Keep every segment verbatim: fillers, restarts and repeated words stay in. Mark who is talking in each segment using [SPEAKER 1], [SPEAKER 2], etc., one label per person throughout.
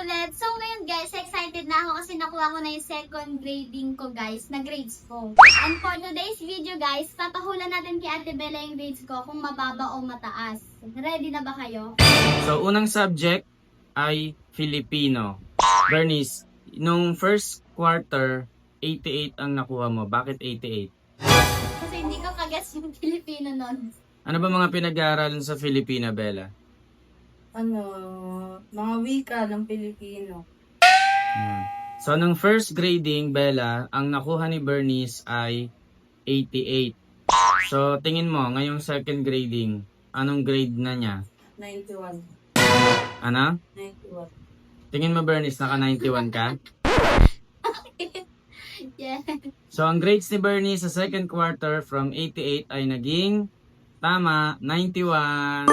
[SPEAKER 1] ulit. So ngayon guys, excited na ako kasi nakuha ko na yung second grading ko guys, na grades ko. And for today's video guys, papahulan natin kay Ate Bella yung grades ko kung mababa o mataas. Ready na ba kayo?
[SPEAKER 2] So, unang subject ay Filipino. Bernice, nung first quarter, eighty-eight ang nakuha mo. Bakit eighty-eight?
[SPEAKER 1] Kasi hindi ko kagets yung Filipino nun.
[SPEAKER 2] Ano ba mga pinag-aaralan sa Filipina, Bella?
[SPEAKER 3] Ano, mga wika ng Pilipino.
[SPEAKER 2] Yan. So, nung first grading, Bella, ang nakuha ni Bernice ay eighty-eight. So, tingin mo, ngayong second grading, anong grade na niya?
[SPEAKER 3] ninety-one.
[SPEAKER 2] Ano?
[SPEAKER 3] ninety-one.
[SPEAKER 2] Tingin mo, Bernice, naka ninety-one ka?
[SPEAKER 1] Yeah.
[SPEAKER 2] So, ang grades ni Bernice sa second quarter from eighty-eight ay naging tama, ninety-one.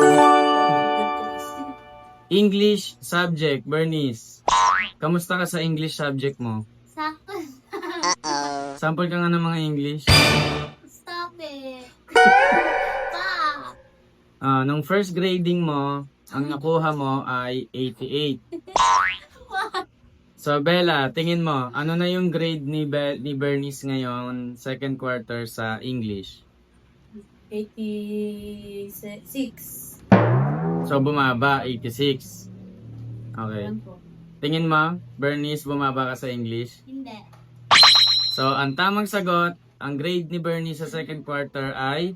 [SPEAKER 2] English subject, Bernice. Kamusta ka sa English subject mo?
[SPEAKER 1] Sakto.
[SPEAKER 2] Sample ka nga ng mga English.
[SPEAKER 1] Stop it. Pa.
[SPEAKER 2] Ah, nung first grading mo, ang nakuha mo ay eighty-eight. So, Bella, tingin mo, ano na yung grade ni, Be- ni Bernice ngayon, second quarter sa English?
[SPEAKER 3] eighty-six.
[SPEAKER 2] So, bumaba, eighty-six. Okay.
[SPEAKER 3] Yan po.
[SPEAKER 2] Tingin mo, Bernice, bumaba ka sa English?
[SPEAKER 1] Hindi.
[SPEAKER 2] So, ang tamang sagot, ang grade ni Bernice sa second quarter ay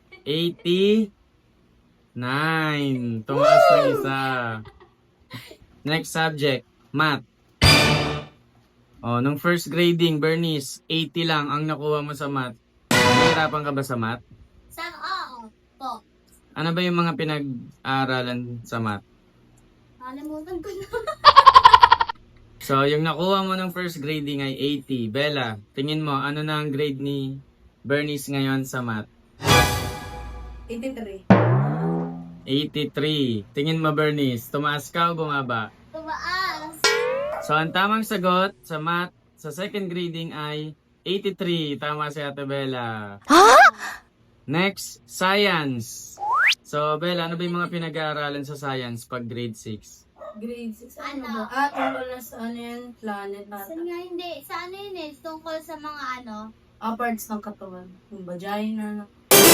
[SPEAKER 2] eighty-nine. Tumaas na isa. Next subject, math. Oh, nung first grading, Bernice, eighty lang ang nakuha mo sa math. Nahihirapan ka ba sa math?
[SPEAKER 1] Sa oo. Po.
[SPEAKER 2] Ano ba yung mga pinag-aaralan sa math?
[SPEAKER 1] Kalimutan ko na.
[SPEAKER 2] So, yung nakuha mo ng first grading ay eighty. Bella, tingin mo, ano na ang grade ni Bernice ngayon sa math?
[SPEAKER 3] eighty-three.
[SPEAKER 2] eighty-three. Tingin mo, Bernice, tumaas ka o bumaba?
[SPEAKER 1] Tumaas.
[SPEAKER 2] So, ang tamang sagot sa math sa second grading ay eighty-three. Tama si Ate Bella. Next, science. So, Bella, ano ba yung mga pinag-aaralan sa science pag grade six?
[SPEAKER 3] Grade six. Ano
[SPEAKER 1] Ano?
[SPEAKER 3] ba? Ah, tungkol na sa ano yan? Planet ata.
[SPEAKER 1] Saan nga hindi? Sa ano yun eh? Tungkol sa mga ano?
[SPEAKER 3] Ah, parts ng katawan. Yung vagina.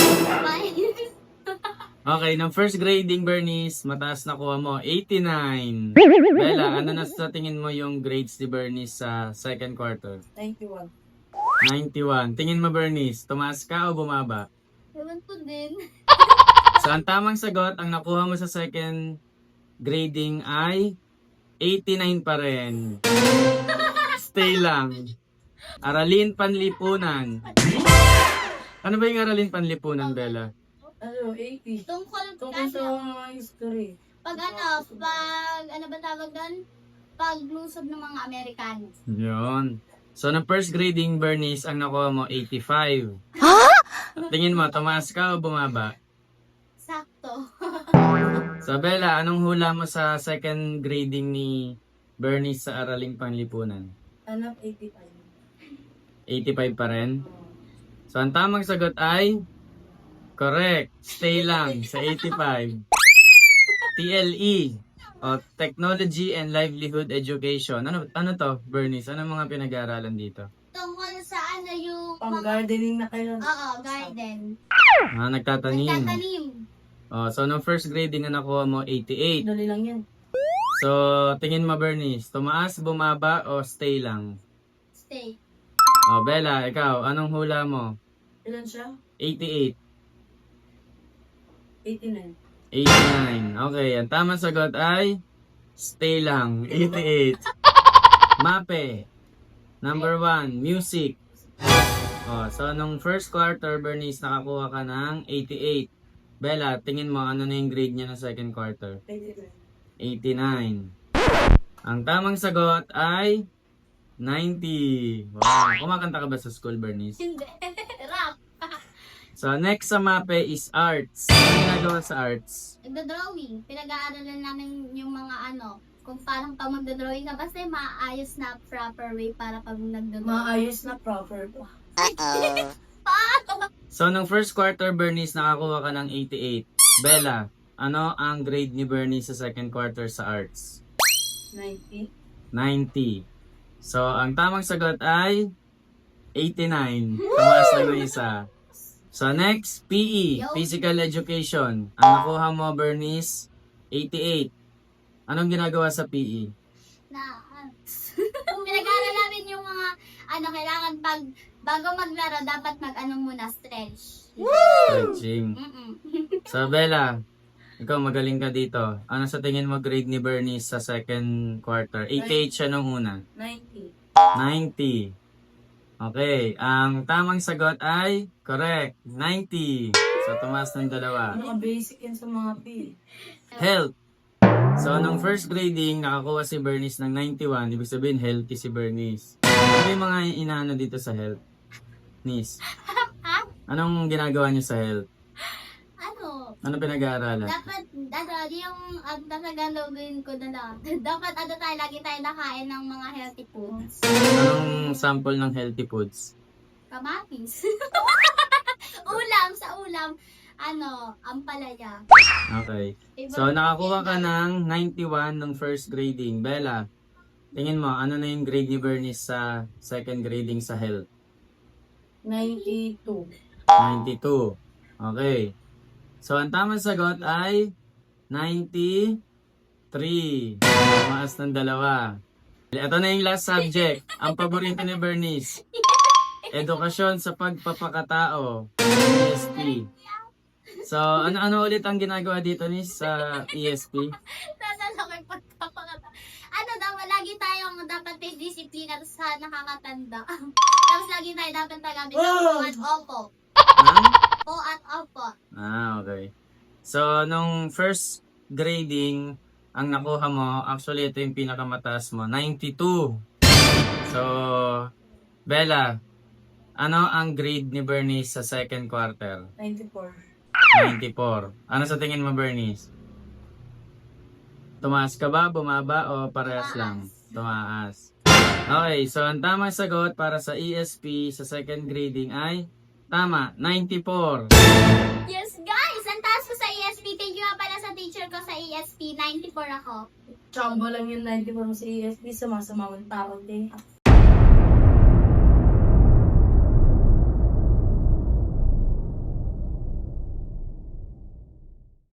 [SPEAKER 2] Okay, ng first grading, Bernice, mataas na kuha mo, eighty-nine. Bella, ano na sa tingin mo yung grades ni Bernice sa second quarter?
[SPEAKER 3] ninety-one.
[SPEAKER 2] ninety-one. Tingin mo, Bernice, tumaas ka o bumaba?
[SPEAKER 1] Ewan ko din.
[SPEAKER 2] So, ang tamang sagot, ang nakuha mo sa second grading ay eighty-nine pa rin. Stay lang. Aralin panlipunan. Ano ba yung aralin panlipunan, Bella?
[SPEAKER 3] Ano, eighty.
[SPEAKER 1] Tungkol
[SPEAKER 3] Tungkol sa
[SPEAKER 1] ano?
[SPEAKER 3] mga history.
[SPEAKER 1] Pag ano? Pag ano ba tawag doon? Paglusob ng mga Amerikano.
[SPEAKER 2] Yun. So, ng first grading, Bernice, ang nakuha mo, eighty-five. Tingin mo, tumaas ka o bumaba?
[SPEAKER 1] Sakto.
[SPEAKER 2] So, Bella, anong hula mo sa second grading ni Bernice sa Araling Panlipunan?
[SPEAKER 3] Ano, eighty-five.
[SPEAKER 2] eighty-five pa rin? So, ang tamang sagot ay correct. Stay lang sa eighty-five. T L E o Technology and Livelihood Education. Ano ano to, Bernice? Ano mga pinag-aaralan dito?
[SPEAKER 1] Tungkol sa ano yung
[SPEAKER 3] Pang
[SPEAKER 1] mga...
[SPEAKER 3] gardening na kayo.
[SPEAKER 1] Oo, garden.
[SPEAKER 2] Ah, nagtatanim.
[SPEAKER 1] Nagtatanim.
[SPEAKER 2] Oh, so, nung first grading na nakuha mo, eighty-eight.
[SPEAKER 3] Dali lang yan.
[SPEAKER 2] So, tingin mo, Bernice, tumaas, bumaba, o stay lang?
[SPEAKER 1] Stay.
[SPEAKER 2] Oh, Bella, ikaw, anong hula mo?
[SPEAKER 3] Ilan siya?
[SPEAKER 2] eighty-eight.
[SPEAKER 3] eighty-nine.
[SPEAKER 2] eighty-nine. Okay, ang tamang sagot ay stay lang, eighty-eight. Mape. Number one, music. Oh, so nung first quarter, Bernice, nakakuha ka ng eighty-eight. Bella, tingin mo, ano na yung grade niya ng second quarter?
[SPEAKER 3] eighty-nine.
[SPEAKER 2] eighty-nine. Ang tamang sagot ay ninety. Wow. Kumakanta ka ba sa school, Bernice?
[SPEAKER 1] Hindi. Rap.
[SPEAKER 2] So, next sa mape is arts. Ano ginagawa sa arts?
[SPEAKER 1] Nagda-drawing. Pinag-aaralan namin yung mga ano, kung parang pag magda-drawing ka, basta yung maayos na proper way para pag nagda-drawing.
[SPEAKER 3] Maayos na proper pa.
[SPEAKER 1] Paano?
[SPEAKER 2] So, nung first quarter, Bernice, nakakuha ka ng eighty-eight. Bella, ano ang grade ni Bernice sa second quarter sa arts?
[SPEAKER 3] ninety.
[SPEAKER 2] ninety. So, ang tamang sagot ay eighty-nine. Tumaas lang ng isa. So, next, P E,
[SPEAKER 1] Yo.
[SPEAKER 2] Physical Education. Ang nakuha mo, Bernice, eighty-eight. Anong ginagawa sa P E?
[SPEAKER 1] Na, pinag-aaral namin yung mga, ano, kailangan pag, bago maglaro, dapat mag-ano muna, stretch.
[SPEAKER 2] Stretching.
[SPEAKER 1] Mm-mm.
[SPEAKER 2] So, Bella, ikaw magaling ka dito. Ano sa tingin mo grade ni Bernice sa second quarter? eighty-eight siya nung una.
[SPEAKER 3] ninety.
[SPEAKER 2] ninety. Okay, ang tamang sagot ay correct, ninety. So, tumaas ng dalawa.
[SPEAKER 3] Pinaka-basic yan sa mga P.
[SPEAKER 2] Health. So, nung first grading, nakakuha si Bernice ng ninety-one. Ibig sabihin, healthy si Bernice. Ano yung mga inaano dito sa health? Nis, anong ginagawa niyo sa health?
[SPEAKER 1] Ano,
[SPEAKER 2] Ano pinag-aaralan?
[SPEAKER 1] dapat, ano, yung, ang tasagalogin ko na lang, dapat ano tayo, lagi tayo nakain ng mga healthy foods.
[SPEAKER 2] Anong sample ng healthy foods?
[SPEAKER 1] Kamatis. Ulam, sa ulam, ano, ampalaya.
[SPEAKER 2] Okay. So, nakakuha ka ng ninety-one ng first grading. Bella, tingin mo, ano na yung grade ni Bernice sa second grading sa health?
[SPEAKER 3] ninety-two.
[SPEAKER 2] ninety-two. Okay. So, ang tamang sagot ay ninety-three. Tumaas ng dalawa. Ito na yung last subject. Ang paborito ni Bernice. Edukasyon sa pagpapakatao. E S P. So, ano-ano ulit ang ginagawa dito ni sa E S P?
[SPEAKER 1] Nasa ko yung pagpapakata. Ano daw, lagi tayong dapat may disiplina sa nakakatanda. Tapos lagi tayo dapat tagamit ng po at opo.
[SPEAKER 2] Ha?
[SPEAKER 1] Po at opo.
[SPEAKER 2] Ah, okay. So, nung first grading, ang nakuha mo, actually ito yung pinakamataas mo, ninety-two. So, Bella, ano ang grade ni Bernice sa second quarter?
[SPEAKER 3] ninety-four.
[SPEAKER 2] ninety-four. Ano sa tingin mo, Bernice? Tumaas ka ba, bumaba, o parehas lang? Tumaas. Okay, so ang tamang sagot para sa E S P sa second grading ay tama, ninety-four.
[SPEAKER 1] Yes, guys! Ang taas ko sa E S P. Thank you nga pala sa teacher ko sa E S P. ninety-four ako.
[SPEAKER 3] Chamba lang yung ninety-four mo sa E S P. Sumasama ang tao din.